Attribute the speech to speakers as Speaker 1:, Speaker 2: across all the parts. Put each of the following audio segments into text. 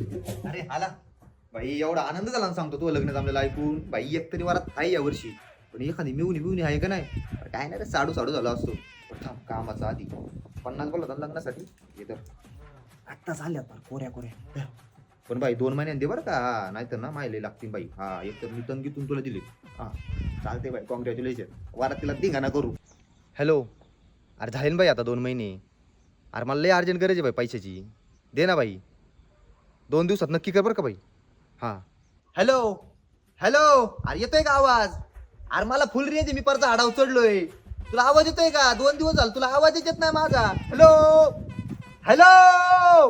Speaker 1: अरे आला भाई, एवढा आनंद झाला ना सांगतो, तू लग्न जमलेलं ऐकून भाई. एक तरी वरात आहे या वर्षी, पण एखादी मिळून आहे का नाही. काय नाही रे, साडू साडू झाला असतो. पण थांब, कामाचा आधी 50 बोलत होता लग्नासाठी. हे तर आत्ता झाल्यात फार कोऱ्या कोऱ्या. पण भाई 2 महिन्यांनी दे बरं का. हा नाहीतर ना मायले लागतील बाई. हा एक तर मी तंगीतून तुला दिले. हा चालते बाई, कॉंग्रॅच्युलेशन. वारात तिला धिंगाणा करू. हॅलो, अरे झाले ना बाई आता 2 महिने. अरे मला लय अर्जंट गरज आहे बाई पैशाची. दे ना बाई, 2 दिवसात नक्की कर बरं का बाई. हां. हॅलो हॅलो, अरे येतोय का आवाज? अरे मला फुल रेंज आहे, मी परत झाडावर चढलोय. तुला आवाज येतोय का? 2 दिवस झाले तुला आवाजच येत नाही माझा. Hello hello.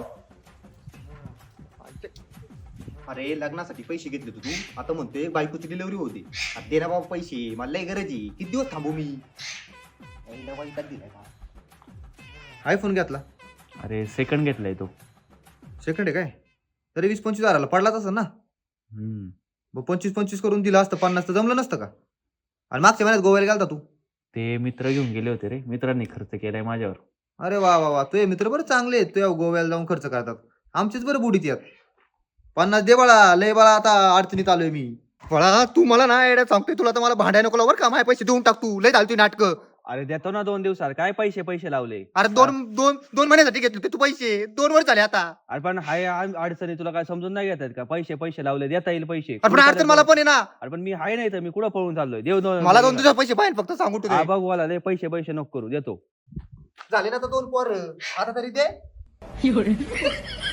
Speaker 1: अरे लग्नासाठी पैसे घेतले तू आता म्हणतोय बायकोची डिलिव्हरी होती. अरे दे ना बाबा पैसे, मला लय गरज आहे. किती दिवस थांबू मी? आयफोन घेतला?
Speaker 2: अरे सेकंड घेतलाय तो.
Speaker 1: सेकंड आहे काय? तरी 20-25 हजाराला पडलाच असं ना.
Speaker 2: हम्म.
Speaker 1: मग 25-25 करून दिला असतं, 50 तर जमलं नसतं का? आणि मागच्या महिन्यात गोव्याला गेलता तू.
Speaker 2: ते मित्र घेऊन गेले होते रे, मित्रांनी खर्च केलाय माझ्यावर.
Speaker 1: अरे वा वा वा, तुझे मित्र बरं चांगले आहेत, तुझ्या गोव्याला जाऊन खर्च करतात. आमचेच बरं बुडीत यात. 50 दे बाळा, लय बाळा आता अडचणीत आलोय मी. बाळा तू मला ना एड्या सांगतोय, तुला तर मला भांडाय नको बरं का. माझे पैसे देऊन टाक तू, लय झाली नाटकं.
Speaker 2: अरे देतो ना 2 दिवसात, काय पैसे लावले.
Speaker 1: अरे दोन महिन्यासाठी घेतले तू पैसे, 2 वर्ष झाले आता.
Speaker 2: अरे पण हाय अडचणी तुला काय समजून नाही घेतात का? पैसे लावले, देता येईल पैसे.
Speaker 1: अरे पण अडचण मला पण आहे ना.
Speaker 2: अरे पण मी हाय नाही तर मी कुठं पळून चाललोय?
Speaker 1: मला 2 दिवसात पैसे पाहिजे फक्त, सांगू तू.
Speaker 2: हा बघ मला लय पैसे नको करू, देतो.
Speaker 1: झाले ना तर 2 पोर, आता तरी दे.